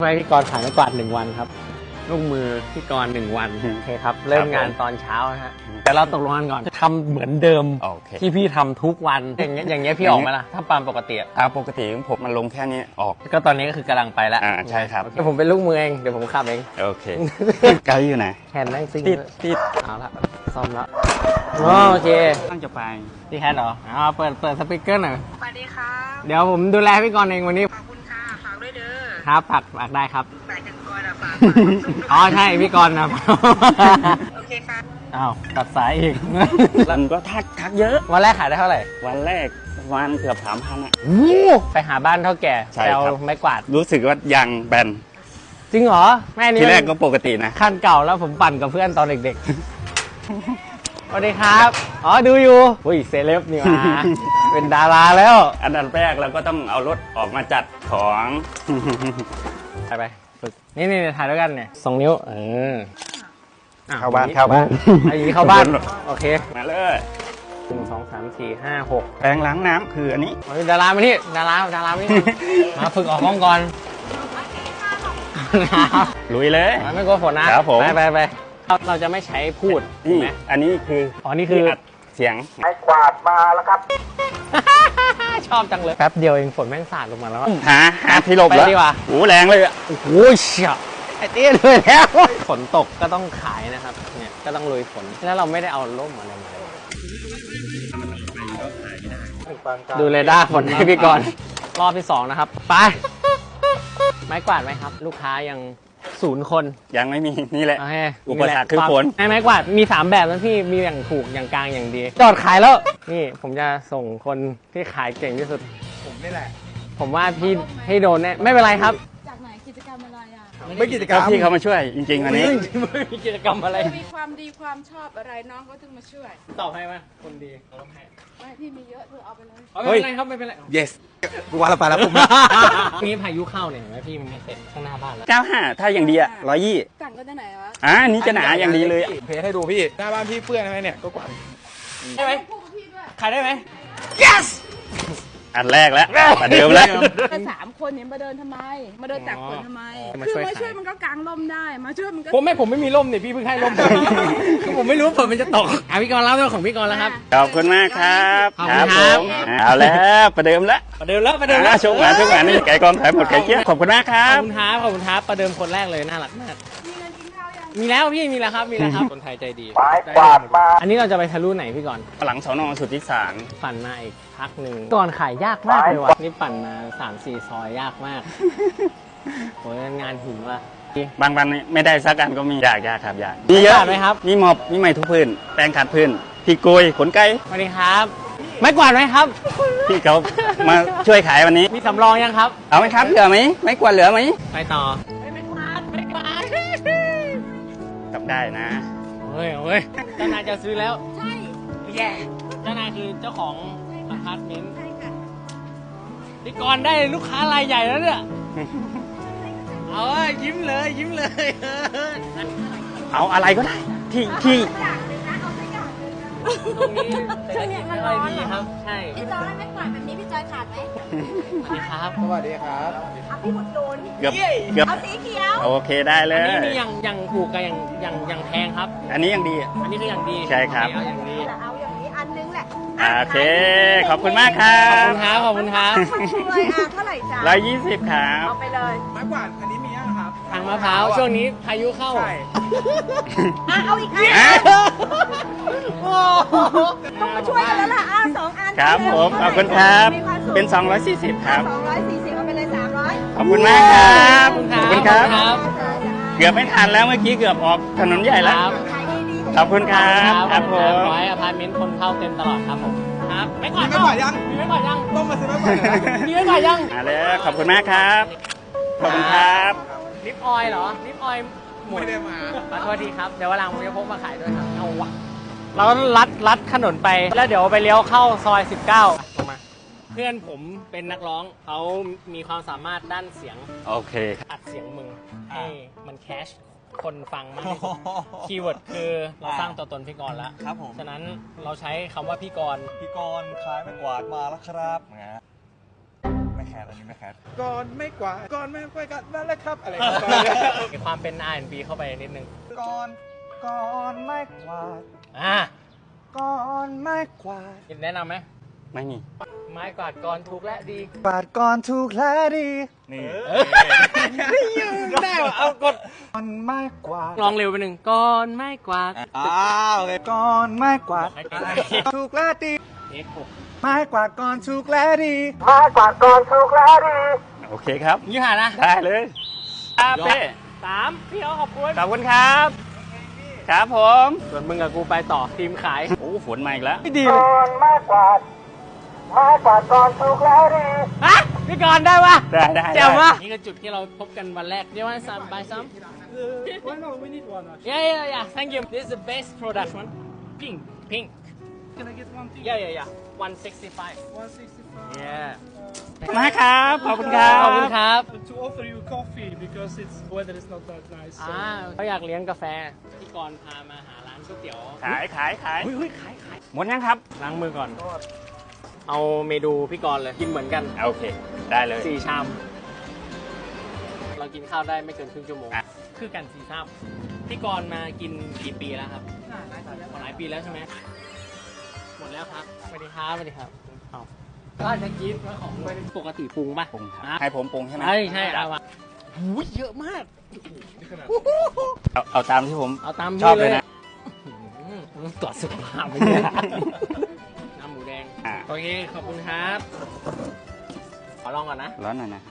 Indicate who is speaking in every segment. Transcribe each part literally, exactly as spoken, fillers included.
Speaker 1: ให้พี่กรณ์ขายไม้กวาดหนึ่งวันครับลูกมือพี่กรณ์หนึ่งวันโอเคครับเริ่มงานตอนเช้านะฮะแต่เราตกลงกันก่อนจะทำเหมือนเดิมที่พี่ทำทุกวันอย่างเงี้ยอย่างเงี้ยพี่ออกไหมล่ะถ้าตามปกติ
Speaker 2: อ่าปกติผมมันลงแค่นี้ออก
Speaker 1: ก็ตอนนี้ก็คือกำลังไปแล้ว
Speaker 2: อ่าใช่ครับ
Speaker 1: เดี๋ยวผมเป็นลูกมือเองเดี๋ยวผมขับเอง
Speaker 2: โอเคไกด์อยู่ไหน
Speaker 1: แฮนด์นั่งซิ่ง
Speaker 2: ติดติด
Speaker 1: เอาละซ่อมแล้วโอเค
Speaker 2: ตั้งจะไป
Speaker 1: พี่แคทเหรออ๋อเปิดเปิดสปีกเกอร์หน่อย
Speaker 3: สวัสดีครับ
Speaker 1: เดี๋ยวผมดูแลพี่กรณ์เองวันนี้
Speaker 3: ขอบคุณค่ะฝากด้วยเด้อ
Speaker 1: ครับฝากฝากได้ครับ
Speaker 3: ฝากจังกรอ่ะฝาก
Speaker 1: อ๋อใช่พี่กรณ์นะ
Speaker 3: โอเคค่ะ
Speaker 1: อ้าวตัดสายอีก
Speaker 2: มันก็ทักทักเยอะ
Speaker 1: วันแรกขายได้เท่าไหร่
Speaker 2: วันแรกวันเกือบสามพันอ่ะ
Speaker 1: ไปหาบ้านเท่าแก่แปลไม้กวาด
Speaker 2: รู้สึกว่ายางแบน
Speaker 1: จริงเหรอแม่นี่
Speaker 2: ทีแรกก็ปกตินะ
Speaker 1: ขั้นเก่าแล้วผมปั่นกับเพื่อนตอนเด็กๆสวัสดีครับอ๋อดูอยู่อุ้ยเซเลบนี่มาเป็นดาราแล้ว
Speaker 2: อันดับแรกเราก็ต้องเอารถออกมาจัดของ
Speaker 1: ไปไปฝึกนี่นี่ถ่ายด้วยกันเนี่ยสองนิ้วเออ
Speaker 2: เข้าบ้านเข้าบ้าน
Speaker 1: อันนี้เข้าบ้านโอเค
Speaker 2: มาเลย
Speaker 1: หนึ่งสองสามสี่ห้าหก
Speaker 2: แปรงล้างน้ำคืออันนี้
Speaker 1: ดารามาที่ดาราดารามาที่มาฝึกออกกล้องก่อน
Speaker 2: ลุยเลย
Speaker 1: ไม่กลัวฝนนะครับไปไปไปเราจะไม่ใช้พูด
Speaker 2: นี่อันนี้คือ
Speaker 1: อ๋อนี่คือ
Speaker 2: เสียง
Speaker 3: ไม้กวาดมาแล้วครับ
Speaker 1: ชอบจังเลยแป๊บเดียวเองฝนแม่งสาดลงมาแล้ว
Speaker 2: หาหาที่หลบแล้วโอ้แรงเลยอ่ะ
Speaker 1: โอ้โหเชี่ยไอ้เตี้ยเลยแล้วฝนตกก็ต้องขายนะครับเนี่ยก็ต้องลุยฝนแล้วเราไม่ได้เอาร่มอะไรมาดูเรดาร์ฝนให้พี่ก่อนรอบที่สองนะครับไปไม้กวาดไหมครับลูกค้ายังศูนย์คน
Speaker 2: ยังไม่มีนี่แหละอุปสรรคคือฝน
Speaker 1: ไม้กวาดมีสามแบบนะพี่มีอย่างถูกอย่างกลางอย่างดีจอดขายแล้วนี่ผมจะส่งคนที่ขายเก่งที่สุด
Speaker 3: ผมนี่แหละ
Speaker 1: ผมว่าพี่ให้โดนแน่ไม่เป็นไรครับ
Speaker 4: จากไหนกิจกรรมอะไรอ่ะ
Speaker 2: ไม่กิจกรรมพี่เขามาช่วยจริงๆวันนี้
Speaker 1: ไม่มีกิจกรรมอะไร
Speaker 4: มีความดีความชอบอะไรน้องเขาถึงมาช่วย
Speaker 1: ตอบให้ไหมคนดีตอบให้
Speaker 4: ไม่พี่มีเยอะเธอเอาไปเลย
Speaker 1: ไม่เป็นไรครับไม่เป็นไร
Speaker 2: yes กูว่าเราไปแล้วผม
Speaker 1: นี่พายุเข้าเนี่ยเห็นไหมพี่มันไม่เสร็จข้างหน้าบ้านแล้ว
Speaker 2: เก้าห้าถ้าอย่างดีอ่ะร้อยยี่
Speaker 4: สั่งก็จะไหนวะ
Speaker 2: อ่านี่จะหนาอย่างดีเลย
Speaker 5: เพจให้ดูพี่หน้าบ้านพี่เปื้อนไหมเนี่ยก็กวาด
Speaker 1: ได้ไหมขายได้ไหม
Speaker 2: yes อันแรกแล้วประเดิมแล้ว
Speaker 4: สามคนเนี่ยมาเดินทำไมมาเดินตักฝนทำไมคือมาช่วยมันก็กางร่มได้มาช่วยมันก็
Speaker 1: ผมไม่ผมไม่มีร่มเนี่ยพี่เพิ่งให้ร่มคือผมไม่รู้ว่าฝนมันจะตกอ่ะพี่กรณ์เล่าเรื่องของพี่กรณ์แล้วครับ
Speaker 2: ขอบคุณมากครับครับผมเอาแล้วประเดิมแล้ว
Speaker 1: ประเดิมแล้วประเดิมแล้ว
Speaker 2: ชกหวานชกหวานนี่ไก่กองถ่ายหมดไก่เกี้ยขอบคุณมากครั
Speaker 1: บขอบคุณครับขอบคุณครับประเดิมคนแรกเลยน่ารักมากมีแล้วพี่มีแล้วครับมีแล้วครับคนไทยใจดี
Speaker 3: ไม้กวาดมา
Speaker 1: อันนี้เราจะไปทะลุไหนพี่กรณ์
Speaker 2: หลังสน.สุทธิสาร
Speaker 1: ปั่นมาอีกพักหนึ่งก่อนขายยากมากเลยว่ะนี่ปั่นมาสามสี่ซอยยากมากโอ้ยงานหินว่ะ
Speaker 2: บางวันไม่ได้สักอันก็มียากยากครับยากมีเยอะ
Speaker 1: ไหมครับ
Speaker 2: มีหมอบมีไม้ทุกพื้นแปรงขัดพื้นพี่โกยขนไก่
Speaker 1: สวัสดีครับไม้กวาดไหมครับ
Speaker 2: พี่เขามาช่วยขายวันนี้
Speaker 1: มีสำรองยังครับ
Speaker 2: เอาไหมครับเหลือไหมไม้กวาดเหลือไหม
Speaker 1: ไปต่อไม่กวาดไม่กวาด
Speaker 2: กลับได้นะ
Speaker 1: เฮ้ยเฮ้ยเจ้านายจะซื้อแล้ว
Speaker 4: ใช่
Speaker 1: แย่เจ้านายคือเจ้าของอพาร์ตเมนต์พี่กรณ์ได้ลูกค้ารายใหญ่แล้วเนี่ยเอายิ้มเลยยิ้มเลย
Speaker 2: เอาอะไรก็ได้ที่ที่
Speaker 1: ตรงนี้ช่วงนี้มันร้อนดีครับใช่
Speaker 4: พี่จอยไม่กวาดแบบนี้พี่จอยขาดไหม
Speaker 1: สวัสดีครับ
Speaker 5: สวัสดีครับ
Speaker 4: เอาพี่หมดโดน
Speaker 2: เกือบเกือบ
Speaker 4: เอาสีเขียว
Speaker 2: โอเคได้เลย
Speaker 1: อันนี้นี่ยังยังถูกกับยังยังยังแพงครับ
Speaker 2: อันนี้ยังดี
Speaker 1: อันนี้คือยังดี
Speaker 2: ใช่ครับ
Speaker 1: เอาอย่างดี
Speaker 4: เอาอย่างนี้อันนึงแหละ
Speaker 2: โอเคขอบคุณมากครับ
Speaker 1: ขอบคุณครับขอบคุณครับ
Speaker 4: ช่วยอ่ะเท่าไหร่จ๊ะ
Speaker 2: ร้อยยี่สิบครับ
Speaker 4: เอาไปเลย
Speaker 5: ไม้กวาดอันนี้มียังครับ
Speaker 1: ทางมะพร้าวช่วงนี้พายุเข้า
Speaker 5: ใช่
Speaker 4: อ่ะเอาอีกอันต้องมาช่วยกันแล้วล่ะอ่ะสองอัน
Speaker 2: ครับผมขอบคุณครับเป็นสองร้อยสี่สิบครับ
Speaker 4: สองร้อยสี่สิบเอาไปเลยสามร้อย
Speaker 2: ขอบคุณมากครับ
Speaker 1: ขอบคุณครับ
Speaker 2: เกือบไม่ทันแล้วเมื่อกี้เกือบออกถนนใหญ่แล้วขอบคุณครับครับผม
Speaker 1: ขอให้อพาร์ตเมนต์คนเข้าเต็มตลอดครับผมครับไม่ก่อน
Speaker 5: ไม่ก่อนยัง
Speaker 1: มีไม่ก่อนยัง
Speaker 5: ต้องมาซื้อไม่ก่อน
Speaker 1: มีไม่ก่อนยัง
Speaker 2: มาเลยขอบคุณมากครับขอบคุณครับ
Speaker 1: ลิปออยล์เหรอลิปออยล์
Speaker 5: ไม่ได้มา
Speaker 1: ขอโทษทีครับเดี๋ยววันหลังผมจะพกมาขายด้วยครับเอาวะเราลัดลัดถนนไปแล้วเดี๋ยวไปเลี้ยวเข้าซอยสิบเก้ามาเพื่อนผมเป็นนักร้องเขามีความสามารถด้านเสียง
Speaker 2: โอเค
Speaker 1: อัดเสียงมึงให้มันแคชคนฟังมากที่สุดคีย์เวิร์ดคือเราสร้างตัวตนพี่กรณ์แล้ว
Speaker 5: ครับผม
Speaker 1: ฉะนั้นเราใช้คำว่าพี่กรณ์
Speaker 5: พี่กรณ์ขายไม้กวาดมาแล้วครับไม้
Speaker 2: แคทอันนี้ไม่แคท
Speaker 5: ก่อนไม่กว่าดก่อนไม่กว่าดนั่นแหละครับ อะไรประมาณนี้
Speaker 1: มีความเป็น อาร์ แอนด์ บี เข้าไปนิดนึง
Speaker 5: ก่อนก่อนไม่กว่าด
Speaker 1: อ่ะ
Speaker 5: ก่อนไม่กว่าด
Speaker 1: แนะนำไหม
Speaker 2: ไม่มี
Speaker 1: ไม้กวาดก่อนถูกและดี
Speaker 5: กวาดก่อนถูกและดี
Speaker 2: นี่
Speaker 1: ได้ว่ะเอากด
Speaker 5: ก่อนไม่กว่าด
Speaker 1: ลองเร็วไปหนึ่งก่อนไม้กวาด
Speaker 5: อ้าวก่อนไม่กว่าดถูกและดี
Speaker 1: เอ็กซ์หก
Speaker 5: ไม่กว่าดก่อนถูกและดี
Speaker 3: มากกว่าก่อนถูกแล้วดี
Speaker 2: โอเคครับ
Speaker 1: ยี่ห้านะ
Speaker 2: ได้เลยครับเป้
Speaker 1: สามพี่เขาขอบคุณ
Speaker 2: ขอบคุณครับ ครับผม
Speaker 1: ส่วนมึงกับกูไปต่อทีมขาย
Speaker 2: โอ้ฝนมาอีกแล้ว
Speaker 1: ไม่ดี
Speaker 3: ก่อนมากกว่าไม้กว่าดก่อนถูกแล้วดี
Speaker 1: ฮะพี่กรณ์ได้ปะ
Speaker 2: ได้ได้
Speaker 1: แจ๋ว
Speaker 2: ได้
Speaker 1: มะนี่คือจุดที่เราพบกันวันแรกเรียกว่าซัมบายซัม
Speaker 5: Why not? We need one.
Speaker 1: yeah yeah yeah thank you this is the best product one pink pink
Speaker 5: Can I get one thing?
Speaker 1: yeah yeah yeah one sixty-five
Speaker 5: one sixty-five.
Speaker 1: yeah
Speaker 2: มาครับ ขอบคุณครับ
Speaker 1: ขอบคุณครับ
Speaker 5: To offer you coffee because it's weather is not that nice.
Speaker 1: อ่าเขาอยากเลี้ยงกาแฟพี่กรณ์พามาหาร้านก๋วยเตี๋ยว
Speaker 2: ขายขายขาย
Speaker 1: เฮ้ยเฮ้ยขายขาย
Speaker 2: หมดยังครับ
Speaker 1: ล้างมือก่อน เอาเมนูพี่กรณ์เลยกินเหมือนกัน
Speaker 2: โอเค ได้เลย
Speaker 1: สี่ชาม เรากินข้าวได้ไม่เกินครึ่งชั่วโมง
Speaker 2: อ่ะ
Speaker 1: คือกันสี่ชามพี่กรณ์มากินกี่ปีแล้วครับหลายปีแล้วใช่ไหมหมดแล้วครับสวัสดีครับสวัสดีครับเอาก็จะกินว่าของปกติปรุงป่ะ
Speaker 2: ปรุงครับ
Speaker 1: อ่ะ
Speaker 2: ให้ผมปรุงใช่ไหม
Speaker 1: ใช่ใช่เอามาหูยเยอะมาก
Speaker 2: เอาเอาตามที่ผม
Speaker 1: เอาตาม
Speaker 2: ชอบ
Speaker 1: นี่
Speaker 2: เลยนะ
Speaker 1: อื้อหือตรวจสุขภาพไปเนี่ยน้ำหมูแดง
Speaker 2: อ่ะ
Speaker 1: โอเค ขอบคุณครับ ขอลองก่อนนะ
Speaker 2: ร้อนหน่อยนะ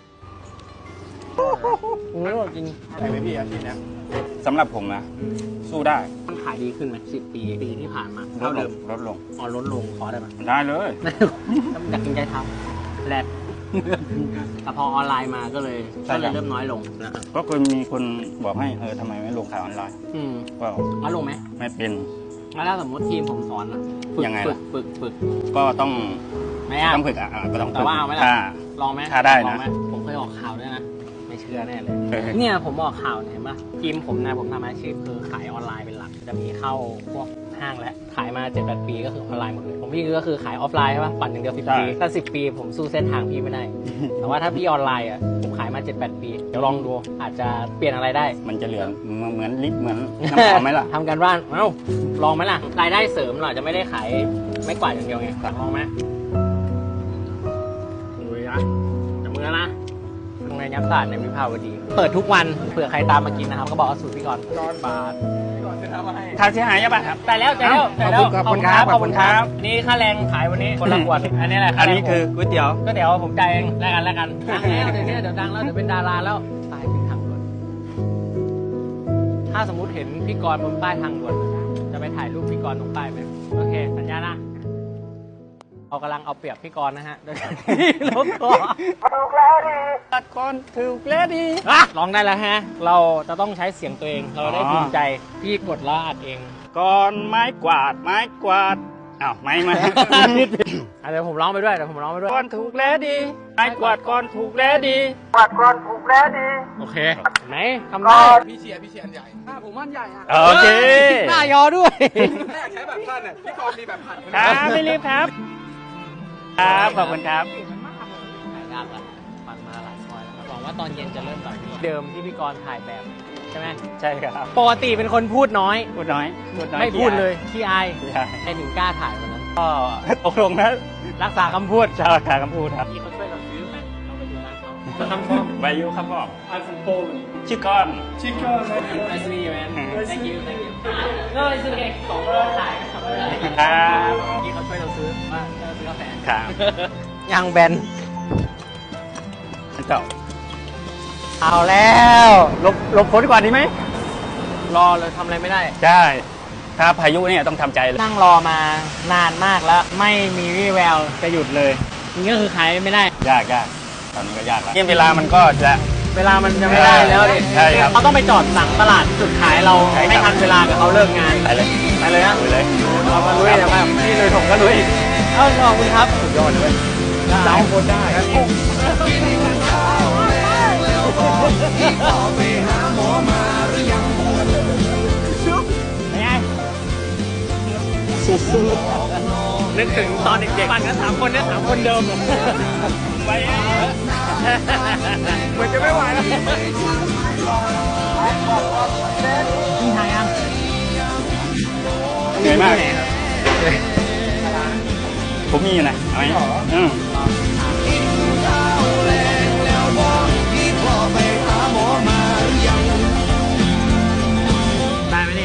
Speaker 1: โอ้จริง
Speaker 5: ไหนไม่พี่อาทิตย์นะ
Speaker 2: สำหรับผมนะ สู้ได้
Speaker 1: มันขายดีขึ้นไหมสิบปีปีที่ผ่านมา
Speaker 2: ล
Speaker 1: เท่า
Speaker 2: ดล
Speaker 1: เดิ
Speaker 2: ง
Speaker 1: ม
Speaker 2: ลดลง
Speaker 1: อ๋อลดลงขอได้ไหม
Speaker 2: ได้เลย
Speaker 1: อยากกินใจเท้าแรดแต่พอออนไลน์มาก็เลย
Speaker 2: ใช่
Speaker 1: ก็เล
Speaker 2: ครั
Speaker 1: ย
Speaker 2: บ
Speaker 1: เริ่มน้อยลงนะ
Speaker 2: ก็เคยมีคนบอกให้เออทำไมไม่ลงขายออนไลน์
Speaker 1: อืม
Speaker 2: ก็
Speaker 1: น้อยลงไหม
Speaker 2: ไม่เป็น
Speaker 1: แล้วถ้าสมมติทีมผมสอนอะฝึก
Speaker 2: ยังไง
Speaker 1: ฝึ
Speaker 2: ล่ะ
Speaker 1: กฝึกฝึก
Speaker 2: ก็ต้อง
Speaker 1: ไม่ยาก
Speaker 2: ต้องฝึกอ่ะอ่ะก็ต้อง
Speaker 1: แต่
Speaker 2: ฝึก
Speaker 1: ว่าเอาไหมล่ะ
Speaker 2: ถ้า
Speaker 1: ลองไหม
Speaker 2: ถ้าได้นะ
Speaker 1: ลองหมผมเคยออกข่าวด้วยนะ ไม่เชื่อแน่เลย
Speaker 2: เออ
Speaker 1: เนี่ยผมออกข่าวเนี่ยเห็นปะทีมผมนะผมทำอาชีพคือขายออนไลน์เป็นหลัก จะมีเข้าพวกห้างและขายมาเจ็ดแปดปีก็คือออนไลน์หมดเลยผมพี่ก็คือขายออฟไลน์ใช่ปะปั่นอย่างเดียวสิบปีถ้าสิบปีผมสู้เส้นทางพี่ไม่ได้ แต่ว่าถ้าพี่ออนไลน์อ่ะผมขายมาเจ็ดแปดปีเดี๋ยวลองดูอาจจะเปลี่ยนอะไรได้
Speaker 2: มันจะเหลือเหมือนเหมือนลิปเหมือนน้ำหอมไหมล่ะ
Speaker 1: ทำกันบ้านเอ้าลองไหมล่ะรายได้เสริมเราอาจจะไม่ได้ขายไม่กวาดอย่างเดียวไงลองไหมดูนะจับมือนะตรงในยับศาสตร์ในวิภาวดี เปิดทุกวันเผื่อใครตามมากินนะครับ ก็บอกว่าสูตรพี่ก่อนร้อนบาท
Speaker 2: ค่าเสียหายยังไงครับ
Speaker 1: แต่แล้วแต่แล้วแต่แล้ว
Speaker 2: ขอบคุณครับ
Speaker 1: ขอบคุณครั
Speaker 2: ขอบคุณครับ บ
Speaker 1: นี่ค่าแรงขายวันนี้คนละขวดอันนี้แหละ
Speaker 2: อันนี้คือก๋วยเตี๋ยว
Speaker 1: ก็เดี๋ยวผมจ่ายเองแลกกันแลกกันดังแล้วเดี๋ยวนี้เดี๋ยวดังแล้วเดี๋ยวเป็นดาราแล้วตายเป็นทางด่วนถ้าสมมุติเห็นพี่กรณ์บนป้ายทางด่วนจะไปถ่ายรูปพี่กรณ์ตรงป้ายไหมโอเคสัญญานะเรากำลังเอาเปรียบพี่กรณ์นะฮะโดยการที่ลบคอ
Speaker 3: ถูกแล้วดี
Speaker 2: ตัดก่อนถูกแล้วดี
Speaker 1: อ่ะลองได้แล้วฮะ เราจะต้องใช้เสียงตัวเอง เราได้
Speaker 2: อ๋อ
Speaker 1: ภูมิใจพี่กดแล้วอัดเอง
Speaker 2: ก่อนไม้กวาดไม้กวาดอ้าวไม่มา
Speaker 1: อ่ะเดี๋ยวผมร้องไปด้วยเดี๋ยวผมร้องไปด้วย
Speaker 2: ก่อนถูกแล้วดีไม้กวาดก่อนถูกแล้วดี
Speaker 3: กวาดก่อนถูกแล้วดี
Speaker 1: โอเคไหนทำได้
Speaker 5: พี่เชียร์พี่เชียร์อันใหญ่อ่าผมว่าอันใหญ่อ่ะ
Speaker 2: โอเค
Speaker 1: หน้ายอด้วย
Speaker 5: แม่อยากใช้แบบท่านอ่ะพี่กรณ์มีแบบพัน
Speaker 2: ครับไม่รีบครับ ครับขอบคุณครับ
Speaker 1: ถ่ายยากแล้วปั่นมาหลายซอยแล้วครับหวังว่าตอนเย็นจะเริ่มแบบนี้เดิมที่พี่กรณ์ถ่ายแบบใช่ไหม
Speaker 2: ใช่ครับ
Speaker 1: ปกติเป็นคนพูดน้อย
Speaker 2: พูดน้อยพูดน้อย
Speaker 1: ไม่พูดเลยขี้อาย
Speaker 2: พี่อาย
Speaker 1: ไอ้ถึงกล้าถ่ายวันนั้น
Speaker 2: ก็ตกลงนะ
Speaker 1: รักษาคำพูด
Speaker 2: ชาวขาคำพูดครับ
Speaker 1: พี่เขาช่วยเราซื้อไหมเราไปอยู่ร้านเขาทำฟอร์ม
Speaker 2: วายุครับพ่อ
Speaker 5: I'm from Poland
Speaker 2: ชื่อก้อน
Speaker 5: Chicken
Speaker 1: Nice to meet you man thank you thank you no it's okay ของเราถ่ายก็ทำไม่ได้
Speaker 2: ครับ
Speaker 1: พี่เขาช่วยเราซื้อว่าเราซื้อกาแฟ
Speaker 2: ครับ
Speaker 1: ยางแบน
Speaker 2: เจ้า
Speaker 1: เอาแล้วหลบหลบฝนก่อนดีไหมรอเลยทำอะไรไม่ได้
Speaker 2: ใช่ ถ้าพายุเนี่ยต้องทำใจเลย
Speaker 1: นั่งรอมานานมากแล้วไม่มีวี่แววจะหยุดเลยนี่ก็คือขายไม่ได้
Speaker 2: ยากยากตอนนี้ก็ยากแล้วเวลามันก็จะ
Speaker 1: เวลามันจะไม่ได้แล้วดิ
Speaker 2: ใช่ครับ
Speaker 1: เขาต้องไปจอดหลังตลาดจุดขายเรา
Speaker 2: ใช่ครับ
Speaker 1: ไม่ทันเวลากับเขาเลิกงาน
Speaker 2: ไปเลย
Speaker 1: ไปเลยนะ
Speaker 2: ไปเลย
Speaker 1: เรามาลุยนะมาพี่ลุยผมก็ลุยเออขอบคุณครับสุดยอดเลยสาวคนได้เป็นไงสู้ๆนึกถึงตอนเด็กๆปั่นกันสามคนเนี่ยสามคนเดิม
Speaker 2: ไป
Speaker 5: เหมือนจะไม่ไหวแล้ว
Speaker 1: พี่ไทยอ่ะ
Speaker 2: เหนื่อยมากผมมีอยู่นะเอาไหมอืม
Speaker 1: ได้ไหมนี่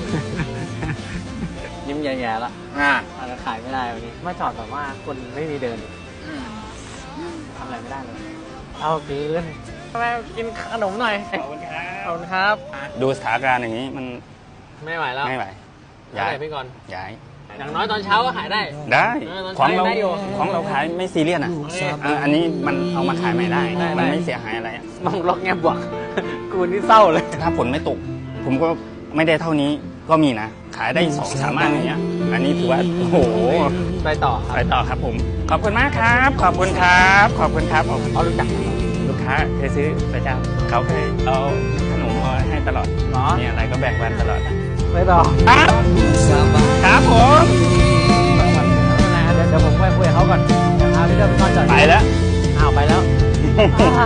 Speaker 1: ยิ้มแย่ๆละ
Speaker 5: อ่า
Speaker 1: อาจจะขายไม่ได้วันนี้มาจอดแบบว่าคนไม่มีเดินทำอะไรไม่ได้เลยเอาคืนทำไมกินขนมหน่อย
Speaker 2: ขอบคุณครับ
Speaker 1: ขอบคุณครับ
Speaker 2: ดูสถานการณ์อย่างนี้มัน
Speaker 1: ไม่ไหวแล้ว
Speaker 2: ไม่ไหว
Speaker 1: ย้า
Speaker 2: ย้าย ย
Speaker 1: พี่ก่อน
Speaker 2: ย้าย
Speaker 1: อย่างน้อยตอนเช้าก็ขายได้
Speaker 2: ได้
Speaker 1: เออตอน
Speaker 2: ของ
Speaker 1: เช้า
Speaker 2: เรา
Speaker 1: ได้อยู่
Speaker 2: ของเราขายไม่ซีเรียสอ่ะ
Speaker 1: โอเค
Speaker 2: เอออันนี้มันเอามาขายใหม่ได้
Speaker 1: ได้
Speaker 2: มัน
Speaker 1: ได้
Speaker 2: ไม่เสียหายอะไรอะ
Speaker 1: มองล็อกแง่บวก กูนี่เศร้าเลย
Speaker 2: ถ้าผลไม่ตก ผมก็ไม่ได้เท่านี้ก็มีนะ ขายได้สองสามอันอย่างเงี้ยอันนี้ถือว่าโอ้โห
Speaker 1: ไปต่อครับ
Speaker 2: ไปต่อครับผม ขอบคุณมากครับ ขอบคุณครับ ขอบคุณครับขอบคุณ
Speaker 1: เขารู้จัก
Speaker 2: ลูกค้าเคยซื้อประจำเขาเคยเอาขนมมาให้ตลอด
Speaker 1: เหรอ
Speaker 2: เนี่ยอะไรก็แบ่งปันตลอด
Speaker 1: ไปต่อ
Speaker 2: ครับครับผม
Speaker 1: เดี๋ยวเดี๋ยวผมไปคุยกับเขาก่อนเดี๋ยวพาพี่เดินไปนอนจอด
Speaker 2: ไปแล้ว
Speaker 1: อ้าวไปแล้วไปต่อ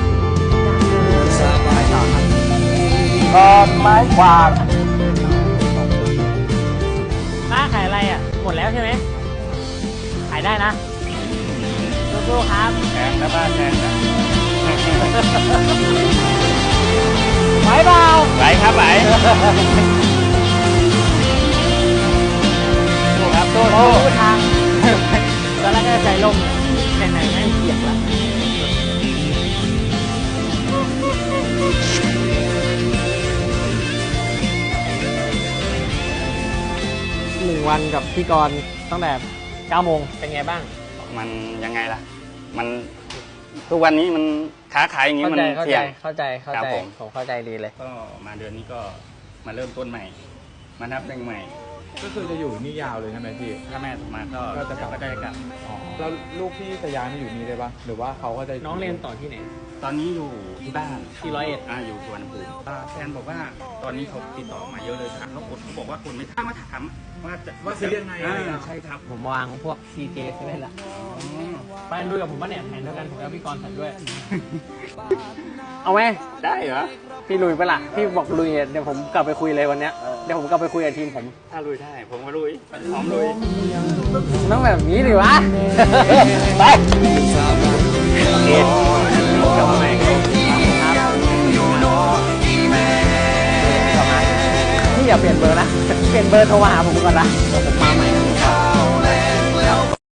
Speaker 1: ครับ
Speaker 3: กอนไม้กวาด
Speaker 1: ป้าขายอะไรอ่ะ หมดแล้วใช่ไหมขายได้นะสู้ๆครับ
Speaker 2: แพงนะบ้านแพงนะ
Speaker 1: ไหวเปล่า
Speaker 2: ไหวครับไหว
Speaker 1: สู้ครับสู้สู้ทางตอนแรกก็ใจลมแต่ไหนไม่เกียกละหนึ่งวันกับพี่กรณ์ตั้งแต่เก้าโมงเป็นไงบ้าง
Speaker 2: มันยังไงล่ะ มันทุกวันนี้มันค้าขายอย่างนี้
Speaker 1: เข้า
Speaker 2: มัน
Speaker 1: ใจเข้า
Speaker 2: เสี่
Speaker 1: ใจ
Speaker 2: ยง
Speaker 1: เข้าใจเข้า
Speaker 2: ครับ
Speaker 1: ใจ
Speaker 2: ผม
Speaker 1: ผมเข้าใจดีเลย
Speaker 2: ก็มาเดือนนี้ก็มาเริ่มต้นใหม่ มานับหนึ่งใหม่
Speaker 5: ก็คือจะอยู่นี่ยาวเลยใช่ไหมพี่
Speaker 2: ถ้าแม่มาก็
Speaker 5: ก็จะกลับ
Speaker 2: ก็ได้กลับ
Speaker 5: แล้วลูกพี่จะย้ายมาอยู่นี่ได้ปะหรือว่าเขาก็จะ
Speaker 1: น้องเรียนต่อที่ไหน
Speaker 2: ตอนนี้อยู่ที่บ้าน
Speaker 1: ที่ร้อยเอ็ด
Speaker 2: อ่าอยู่สวนภูมิอ่าแฟนบอกว่าตอนนี้เขาติดต่อมาเยอะเลยถามเขาคนเขาบอกว่าคนไม่ถามมาถามว่าจะ
Speaker 5: ว่าจะเรียนไงอะไร
Speaker 2: อ่า
Speaker 5: อ่ะ
Speaker 2: ใช่ครับ
Speaker 1: ผมวางพวก ซี เจ เซเว่นละไปดูกับผมป่ะเนี่ยแผนเดียวกันผมแล้วพี่กรณ์ใส่ด้วย เอาไหม
Speaker 2: ได้เหรอ
Speaker 1: พี่ลุยปะล่ะพี่บอกลุยเนี่ยเดี๋ยวผมกลับไปคุยเลยวันเนี้ยเดี๋ยวผมกลับไปคุยกับทีมผม
Speaker 2: ถ้าลุยได้ ผมก็ลุยพร้อมลุย
Speaker 1: ต้องแบบนี้ดิวะ ไปโอเคกลับมาใหม่ครับพี่อย่าเปลี่ยนเบอร์นะ เปลี่ยนเบอร์โทรมาหาผมก่อนนะ